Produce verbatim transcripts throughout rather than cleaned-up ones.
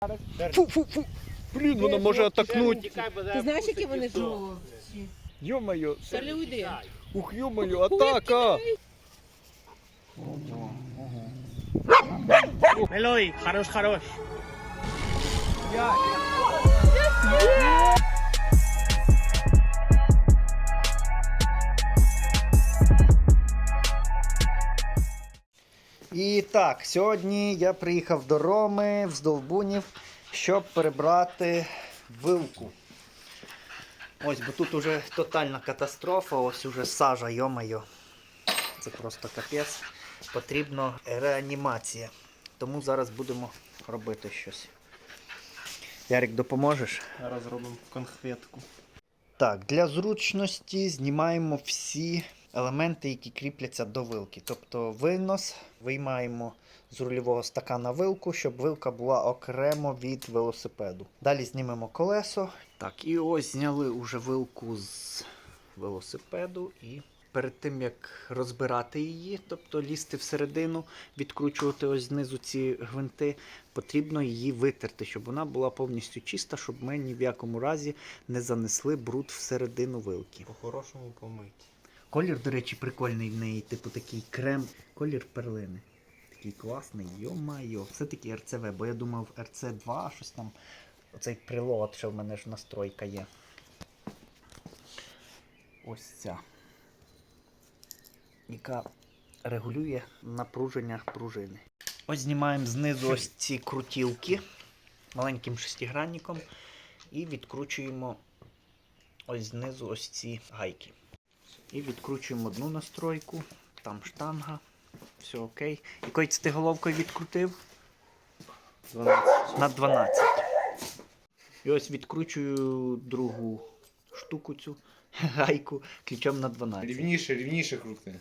Фу, фу, фу. Блін, вона може атакнути. Ти знаєш, які вони жовті? Йо-моє. Шарлі, уйди. Ух, йо-моє, атака. Мелой, хорош, хорош. І так, сьогодні я приїхав до Роми в Здолбунів, щоб перебрати вилку. Ось, бо тут уже тотальна катастрофа, ось уже сажа, йо-моє. Це просто капець. Потрібна реанімація. Тому зараз будемо робити щось. Ярик, допоможеш? Зараз робимо конхветку. Так, для зручності знімаємо всі елементи, які кріпляться до вилки. Тобто винос виймаємо з рульового стакана вилку, щоб вилка була окремо від велосипеду. Далі знімемо колесо. Так, і ось зняли уже вилку з велосипеду. І перед тим, як розбирати її, тобто лізти всередину, відкручувати ось знизу ці гвинти, потрібно її витерти, щоб вона була повністю чиста, щоб ми ні в якому разі не занесли бруд всередину вилки. По-хорошому помить. Колір, до речі, прикольний в неї, типу такий крем, колір перлини. Такий класний, йо-майо. Все-таки ер це ве, бо я думав ер це два, щось там, оцей прилад, що в мене ж настройка є. Ось ця. Яка регулює напруження пружини. Ось знімаємо знизу ось ці крутілки маленьким шестигранником і відкручуємо ось знизу ось ці гайки. І відкручуємо одну настройку, там штанга, все окей. Якою це ти головкою відкрутив? дванадцять. На дванадцять. І ось відкручую другу штуку цю гайку ключом на дванадцять. Рівніше, рівніше крути.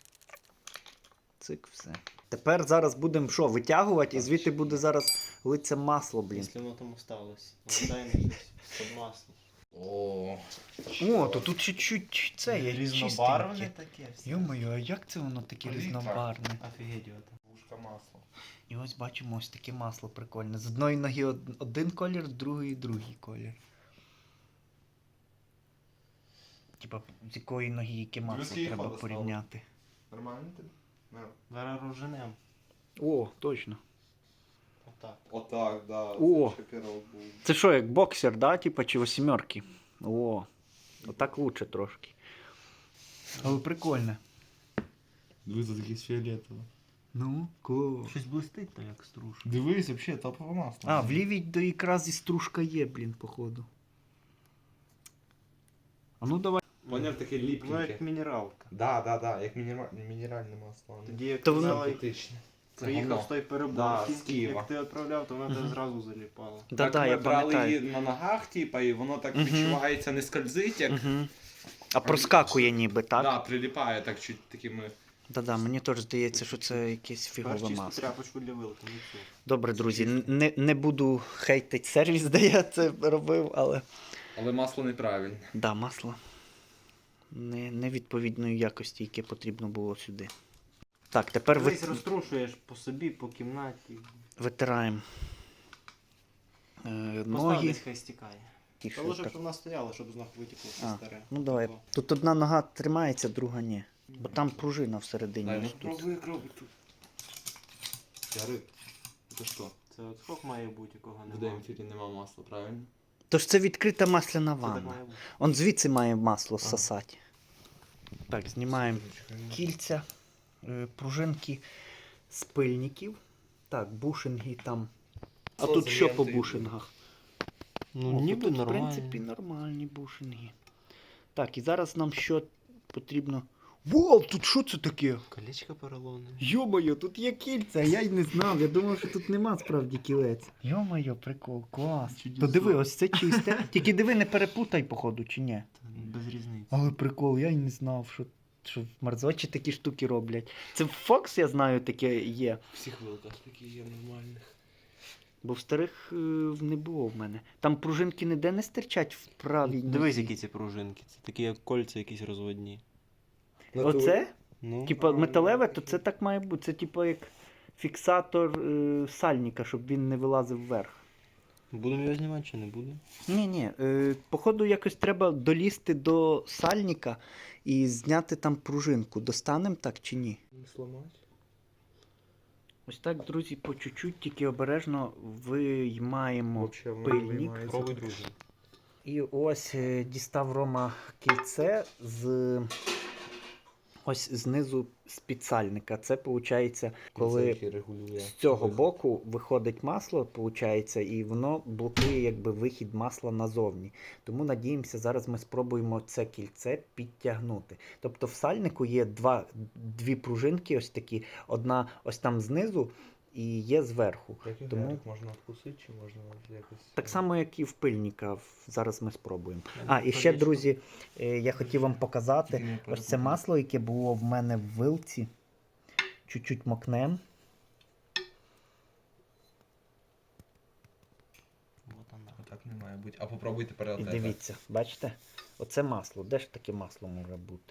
Цик, все. Тепер зараз будемо що, витягувати і звідти буде зараз литься масло, блін. Якщо воно там осталось. Дай мені щось під масло. О, О, то тут чуть-чуть це є Різнобарвне чистеньке. таке. Йо-моє, а як це воно таке Літра. різнобарвне? Офігеть його там. вушка масла. І ось бачимо ось таке масло прикольне. З одної ноги од- один колір, з другої другий колір. Типа, з якої ноги яке масло скільки треба хода стало? порівняти. Нормально тобі? Ну. Зараз розженем. О, точно. Отак. Отак, да. О. Це шокірок був. Це що, як боксер, да? Типа, чи восьмерки? О, отак лучше трошки. Але прикольне. Дивись, тут якийсь фіолетово. Ну, клас. Щось блистить то як стружка. Дивись, взагалі, топове масло. А, в лівій до якраз і стружка є, блін, походу. А ну давай. Поняв, таке Воно ліпкеньке. як мінералка. Да, да, да, як мінера- мінеральне масло. Тоді як То воно- казали, Синтетичне. Це приїхав говно. з той Да, переборки, з Києва. як ти відправляв, то вона тебе Мгм. зразу заліпала. Да-да, Так я ми брали пам'ятаю. її на ногах, типа, і воно так Мгм. відчувається, не скользить, як... Угу. А проскакує ніби, так? Да, приліпає так чуть такими... Да-да, мені теж здається, що це якесь фігове Тепер чисту масло. тряпочку для вилки, не цю. Добре, друзі, н- не, не буду хейтити сервіс, де я це робив, але... Але масло неправильне. Да, масло не, невідповідної якості, яке потрібно було сюди. Так, тепер Дивись, ви... розтрушуєш по собі, по кімнаті. витираємо е, Постав ноги. десь хай стікає. Ті, Та що лише, так. щоб вона стояла, щоб з ног витекло все А, старе. Ну давай. Тако. Тут одна нога тримається, друга ні. Бо там пружина всередині. Дай, ось ну тут. пробуй, як робить тут. Ярик, це що? Це от скок має бути, якого В немає. демпфері нема масла, правильно? Тож це відкрита масляна Це так ванна. має бути. Он звідси має масло Ага. сосати. Так, знімаємо кільця, е, пружинки з пильників. Так, бушинги там. А Що тут за що по лентою? бушингах? Ну, О, ніби тут, нормально. в принципі, нормальні бушинги. Так, і зараз нам що потрібно. Вау, тут що це таке? Колечко поролоне. Йо-моє, тут є кільця, я й не знав. Я думав, що тут нема справді кілець. Йо-моє, прикол, клас. То диви, ось це чисте. Тільки диви, не перепутай, походу, чи ні. Без різниці. Але прикол, я й не знав, що, що в Марзочі такі штуки роблять. Це в Фокс, я знаю, таке є. В всіх вилках такі є нормальних. Бо в старих е, не було в мене. Там пружинки ніде не стирчать в правій. Дивись, нозі. які ці пружинки. Це такі як кольця якісь розводні. Оце? Ну, Типа металеве, то це так має бути. Це типа як фіксатор е, сальника, щоб він не вилазив вверх. Будемо його знімати чи не будемо? Ні, ні. Е, походу, якось треба долізти до сальника і зняти там пружинку. Достанемо так чи ні? Не сломати. Ось так, друзі, по чуть-чуть, тільки обережно виймаємо пильник. Пробуй, друзі. І ось е, дістав Рома кільце з ось знизу з підсальника. Це виходить, коли з цього боку виходить масло, виходить, і воно блокує якби вихід масла назовні. Тому надіємося, зараз ми спробуємо це кільце підтягнути. Тобто в сальнику є два, дві пружинки ось такі, одна ось там знизу і є зверху. Який Тому- Тому... можна вкусити, чи можна якось... Так само, як і в пильника. В- Зараз ми спробуємо. Я А, і ще, водичку. друзі, е, я хотів вам показати Тільки не ось це перепутай. масло, яке було в мене в вилці. Чуть-чуть мокнем. Вот вона. Так не має бути. А попробуйте І перелетати. дивіться, бачите? Оце масло. Де ж таке масло може бути?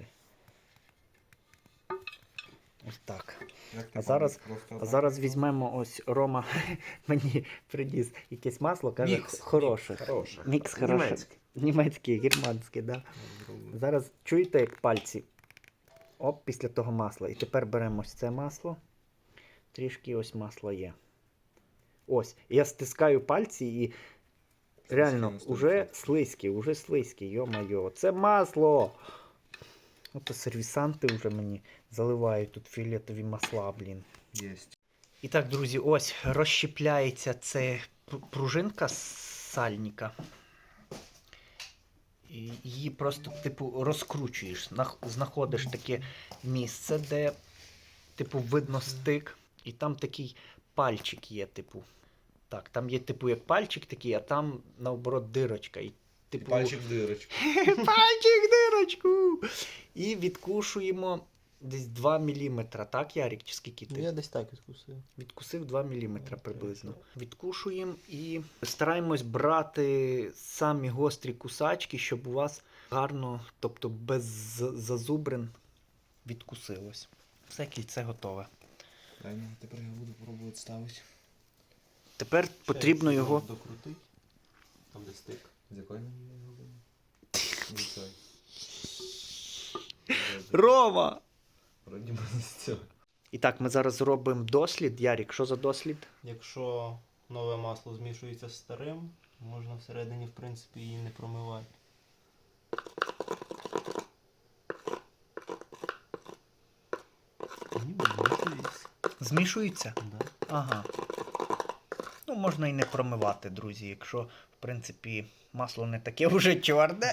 Ось так. Як ти А зараз- пробуєш? Просто А так? зараз візьмемо ось Рома мені приніс якесь масло, каже, Мікс. хороше. Хороше. Мікс хороше. Німецьке. Німецьке, германське, да. Зараз чуєте, як пальці? Оп, після того масла. І тепер беремо ось це масло. Трішки ось масло є. Ось. Я стискаю пальці і реально, Слизьке уже настільки. слизькі, уже слизькі, йо-майо. Це масло! Ото сервісанти вже мені заливають тут фіолетові масла, блін. Єсть. І так, друзі, ось розщепляється це пр- пружинка з сальника. І її просто, типу, розкручуєш. Нах- Знаходиш таке місце, де, типу, видно стик. І там такий пальчик є, типу. Так, там є, типу, як пальчик такий, а там, наоборот, дирочка. І, І типу, пальчик в дирочку. пальчик дирочку! І відкушуємо десь два міліметри, так, Ярик? Чи скільки ти? Ну, я десь так відкусив. Відкусив два міліметри приблизно. Відкушуємо і стараємось брати самі гострі кусачки, щоб у вас гарно, тобто без з- зазубрин відкусилось. Все, кільце готове. Дай мені, тепер я буду пробувати ставити. Тепер потрібно його. Докрутити. Там де стик. З якої мені його робимо? З цієї. Рома! Вроді би з цього. І так, ми зараз зробимо дослід. Ярік, що за дослід? Якщо нове масло змішується з старим, можна всередині, в принципі, її не промивати. Ні, змішується. Змішується? Да. Ага. Ну, можна і не промивати, друзі, якщо, в принципі, масло не таке вже чорне,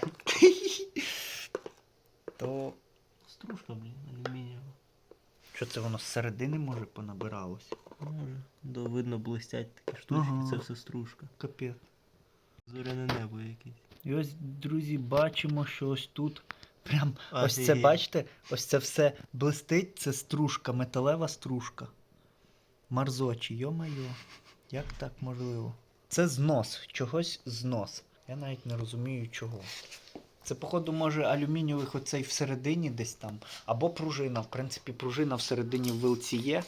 то Стружка, блін, алюмінієва. що це воно зсередини, може, понабиралось? Може. Да, видно, блистять такі штучки, Ага. це все стружка. Капець. Зоряне небо якесь. І ось, друзі, бачимо, що ось тут прям ось це, Офігеть. бачите, ось це все блистить, це стружка, металева стружка. Марзочі, йо-майо, як так можливо? Це знос, чогось знос. Я навіть не розумію чого. Це, походу, може алюмінієвих оцей всередині десь там, або пружина. В принципі, пружина всередині в вилці є.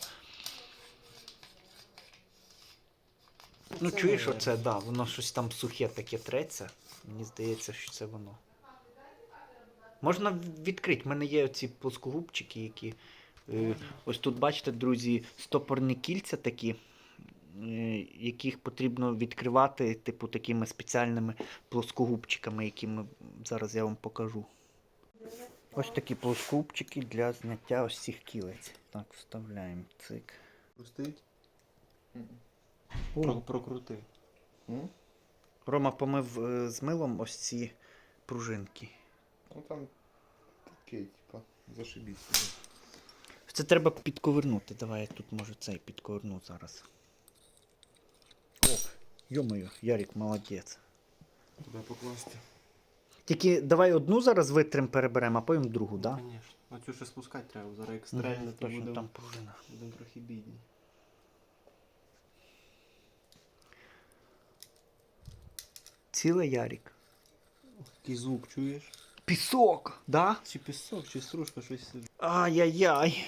Ну, Це чуєш, наверно. оце, да, воно щось там сухе таке треться. Мені здається, що це воно. Можна відкрити. У мене є оці плоскогубчики, які. Е, ось тут, бачите, друзі, стопорні кільця такі, е, яких потрібно відкривати, типу, такими спеціальними плоскогубчиками, які ми зараз я вам покажу. Ось такі плоскогубчики для зняття ось цих кілець. Так, вставляємо цик. Пустить? Про- Прокрути. М? Рома помив е, з милом ось ці пружинки. Ну там таке, типа, зашибісь. Це треба підковернути. Давай я тут може цей підковерну зараз. Оп, йо-моє, Ярик, молодець. Туди покласти. Тільки давай одну зараз витрим переберемо, а потім другу, так? Да? Звісно. Оцю ще спускати треба, зараз як стрельне, то Точно, будемо там пружина. будем трохи бідні. Ціле, Ярик. Який звук чуєш? Пісок, да? Чи пісок, чи стружка, щось. Ай-яй-яй.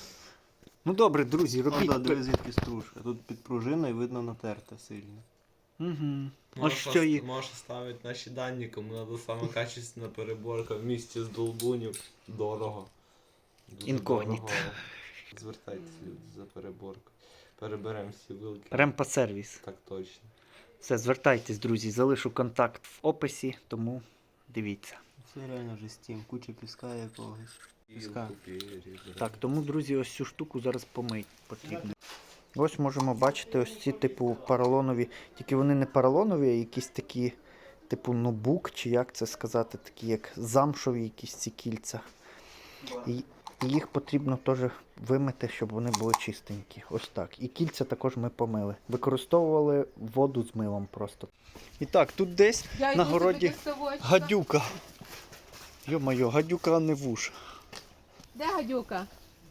Ну добре, друзі, Ну, робіть. да, пе- диви, звідки стружка. Тут під пружиною видно натерте сильно. Угу. Ось Можеш, що є. можеш ставити наші дані, кому треба саме качественна переборка в місті з долбунів. Дорого. Дуже Інкогніто. дорого. Звертайтеся, люди, за переборку. Переберемо всі вилки. Ремпа сервіс. Так точно. Все, звертайтесь, друзі, залишу контакт в описі, тому дивіться. Це реально вже стім, куча піска якогось. Піска. Так, тому, друзі, ось цю штуку зараз помить потрібно. Ось можемо бачити ось ці типу поролонові, тільки вони не поролонові, а якісь такі, типу нубук, чи як це сказати, такі як замшові якісь ці кільця. І, і їх потрібно теж вимити, щоб вони були чистенькі. Ось так. І кільця також ми помили. Використовували воду з милом просто. І так, тут десь Я на йду городі собі до ставочка. гадюка. Йо-моє, гадюка, а не вуш. Де гадюка?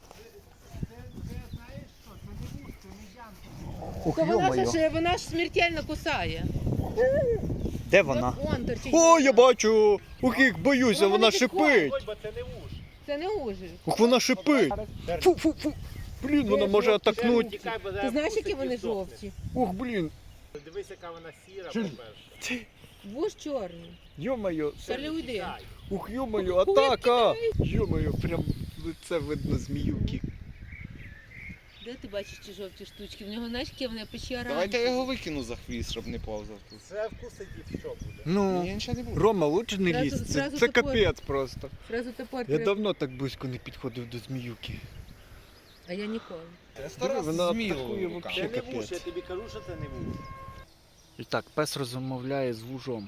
Ух, То вона йо-моє. ж, вона ж смертельно кусає. Де вона? От он торчить. О, я бачу! Ух, як боюся, Вона вона не підходить. шипить! Це не ужин. Ух, вона шипить! Фу, фу, фу! Блін, вона може атакнути. Ти знаєш, які вони жовті? Ух, блін! Дивись, яка вона сіра, по-перше. Вуж чорний. Йо-моє! Шалі уйди. Ух, йо-моє, атака! Йо-моє, прям лице видно зміюки. Де ти бачиш ці жовті штучки? В нього, знаєш, які вони печі Давайте я його викину за хвіст, щоб не повзав тут. Це вкусить і все буде. Ну, Ні, нічого не буде. Рома, лучше не Зразу- лізь, це, зразу це топор. капець просто. Зразу топор. Я треба. давно так близько не підходив до зміюки. А я ніколи. Я сто Диви, раз вона змію атакує руками. вообще. Це не вуш, капець. я тобі кажу, що це не вуш. І так, пес розмовляє з вужом.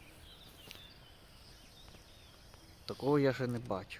Такого я ще не бачив.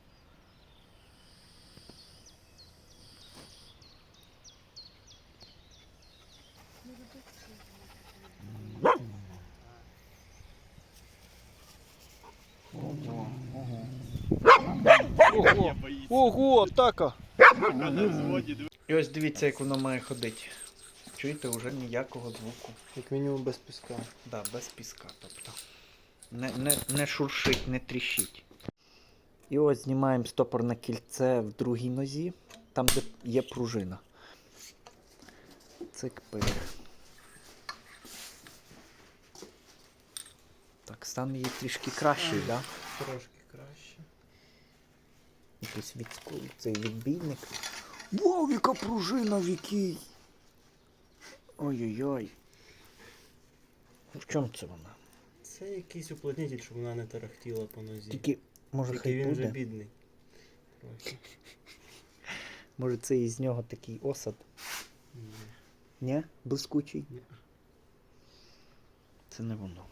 Ого, ого, атака! І ось дивіться, як воно має ходити. Чуєте, вже ніякого звуку. Як мінімум без піска. Да, без піска, тобто. Не, не, не шуршить, не тріщить. І ось знімаємо стопорне кільце в другій нозі, там де є пружина. Цик-пик. Так, стан її трішки кращий, так? Да? Трошки краще. Якийсь від, цей відбійник. Вау, яка пружина в якій! Ой-ой-ой. В чому це вона? Це якийсь уплотнитель, щоб вона не тарахтіла по нозі. Тільки, може, Тільки хай він вже буде? бідний. Трохи. Може, це із нього такий осад? Ні. Ні? Блискучий? Ні. Це не воно.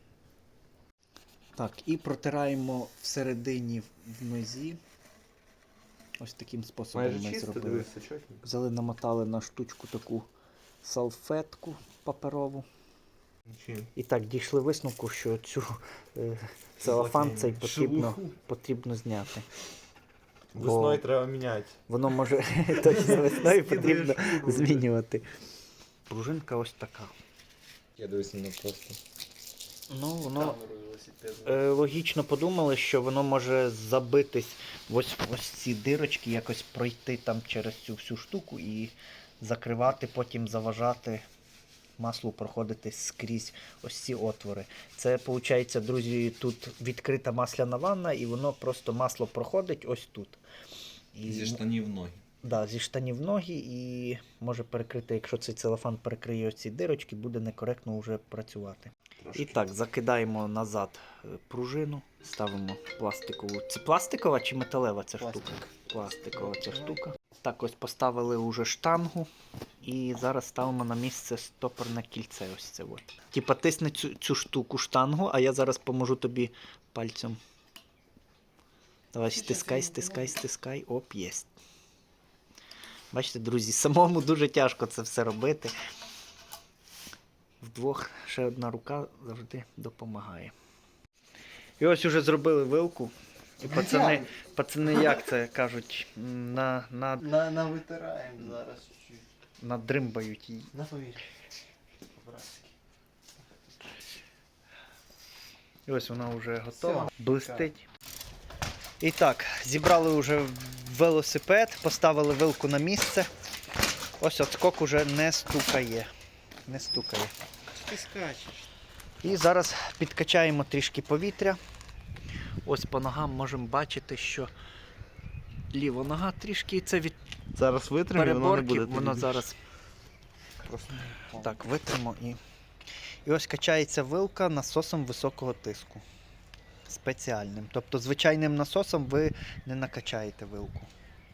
Так, і протираємо всередині в нозі. Ось таким способом Майже ми чисто, зробили. дивися, чотненько. Взяли, намотали на штучку таку салфетку паперову. Чим? І так, дійшли висновку, що цю е, целофан цей потрібно, потрібно зняти. Весною треба міняти. Воно може точно весною потрібно змінювати. Пружинка ось така. Я дивлюся на просто. Ну, воно е, логічно подумали, що воно може забитись в ось, ось ці дирочки, якось пройти там через цю всю штуку і закривати, потім заважати маслу проходити скрізь ось ці отвори. Це, виходить, друзі, тут відкрита масляна ванна, і воно просто масло проходить ось тут. І, Зі штанів ноги. да, зі штанів ноги і може перекрити, якщо цей целофан перекриє ось ці дирочки, буде некоректно вже працювати. І так, закидаємо назад е, пружину, ставимо пластикову. Це пластикова чи металева ця Пластик. штука? Пластикова ця штука. Так, ось поставили уже штангу і зараз ставимо на місце стопорне кільце. Ось це от. Типа тисни цю, цю штуку штангу, а я зараз поможу тобі пальцем. Давай стискай, стискай, стискай. Оп, єсть. Бачите, друзі, самому дуже тяжко це все робити. Вдвох ще одна рука завжди допомагає. І ось уже зробили вилку. І пацани, пацани як це кажуть, на, на, На, на витираємо зараз чуть-чуть. надримбають її. На повір. По-братськи. І ось вона вже готова, Всьо. блистить. І так, зібрали вже велосипед, поставили вилку на місце. Ось отскок уже не стукає. Не стукає. ти скачеш? І зараз підкачаємо трішки повітря. Ось по ногам можемо бачити, що ліва нога трішки, це від Зараз витримай, воно не переборки, буде. воно зараз так витримо і. І ось качається вилка насосом високого тиску. Спеціальним. Тобто звичайним насосом ви не накачаєте вилку.